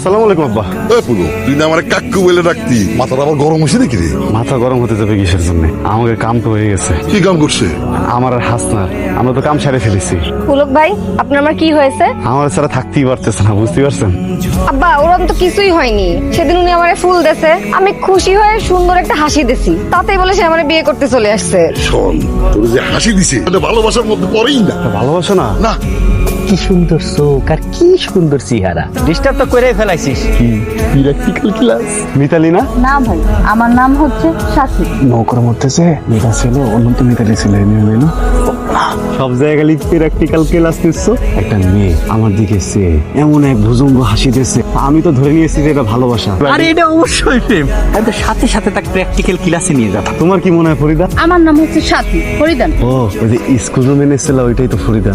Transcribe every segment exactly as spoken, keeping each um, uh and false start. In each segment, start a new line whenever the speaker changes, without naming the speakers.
আসসালামু আলাইকুম আব্বা।
এ পুরো তুই না আমার কাকু বলে ডাকতি, মাথাটা আবার গরম হয়েছে নাকি রে?
মাথা গরম হতে যাবে কিসের জন্য? আমাকে কাম তো হয়ে গেছে।
কি কাম করছে?
আমার আর হাসনার আমরা তো কাম সারে ফেলেছি।
পুলক ভাই, আপনার আমার কি হয়েছে?
আমার ছাড়া থাকতেই পারতেছে না, বুঝতে পারছেন?
আব্বা, ওরম তো কিছুই হয়নি। সেদিন উনি আমারে ফুল দেছে, আমি খুশি হয়ে সুন্দর একটা হাসি দিছি, তাতেই বলে সে আমারে বিয়ে করতে চলে আসছে।
শোন, তোর যে হাসি দিছে এটা ভালোবাসার মধ্যে পড়েই না।
ভালোবাসো না?
না,
কি সুন্দর চোখ আর কি সুন্দর চেহারা। ডিস্টার্ব তো করে ফেলাইছিস। কি প্র্যাকটিক্যাল ক্লাস?
মিতালি না?
না ভাই, আমার নাম হচ্ছে সাথী।
নৌকার মধ্যে যে মেয়েটা ছিল, অনন্ত মিতালি ছিল, মেয়ে সব জায়গায় প্র্যাকটিক্যাল ক্লাস নিচ্ছ। একটা মেয়ে আমার দিকে সে এমন এক ভুজঙ্গ হাসি দিয়েছে, আমি তো ধরে নিয়েছি যে এটা ভালোবাসা।
আরে এটা অবশ্যই প্রেম। আমি তো সাথে সাথে তাকে প্র্যাকটিক্যাল ক্লাসে নিয়ে যাবো।
তোমার কি মনে হয় ফরিদা?
আমার নাম হচ্ছে সাথী ফরিদান।
ও, ওই যে স্কুল রুমে এনেছিল ওইটাই তো ফরিদা।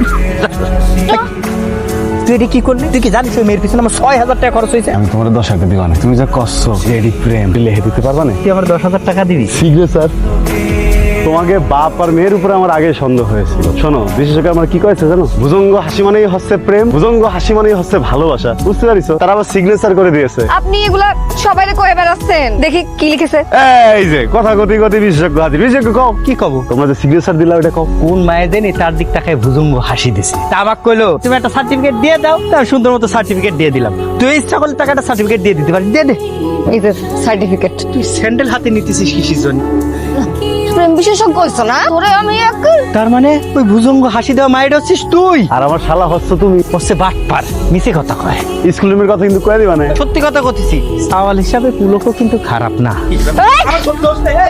তুই এটা কি করলি? তুই কি জানিস ওই মেয়ের পিছনে আমার ছয় হাজার টাকা খরচ হয়েছে?
আমি তোমার দশ হাজার দিবা না, তুমি যা কষ্ট রেডি প্রেম লেহে দিতে পারবা না?
তুই আমার দশ হাজার টাকা দিবি?
শীঘ্র স্যার। তোমাকে বাপ আর মেয়ের উপরে আমার আগে সন্দেহ হয়েছিল। শোনো, বিশেষজ্ঞ আমার কি কয়েছে জানো? ভুজঙ্গ হাসি মানেই হচ্ছে প্রেম, ভুজঙ্গ হাসি মানেই হচ্ছে ভালোবাসা, বুঝতে পারিছো? তারা আবার সিগনেচার করে দিয়েছে।
আপনি এগুলা সবাইকে কয়ে বেড়াচ্ছেন, দেখি কি লিখেছে।
এই যে কথা গতি গতি বিশেষজ্ঞ হাজির। বিশেষজ্ঞ কও
কি কব?
তোমরা যে সিগনেচার দিলা ওটা কও।
কোন মায়ের দেন তার দিক তাকায় ভুজুঙ্গ হাসি দিছে। তা আমাকে কইলো তুমি একটা সার্টিফিকেট দিয়ে দাও, তার সুন্দর মতো সার্টিফিকেট দিয়ে দিলাম। তুই ইচ্ছা করলে টাকা একটা সার্টিফিকেট দিয়ে দিতে পারিস, দিয়ে দে।
এই যে সার্টিফিকেট।
তুই স্যান্ডেল হাতে নিতেছিস কিসের জন্য?
প্রেম বিশেষজ্ঞ হইছো না তোরে? আমি এক
তার মানে ওই ভুজঙ্গ হাসি দেওয়া মায়ের হচ্ছিস তুই?
আর আমার শালা হচ্ছে তুমি।
হচ্ছে বাটপার, মিছে কথা কয়।
স্কুল রুমের কথা কিন্তু কয়ে দিবা না।
সত্যি কথা কথিছি, সাওয়াল হিসাবে পুলকও কিন্তু খারাপ না।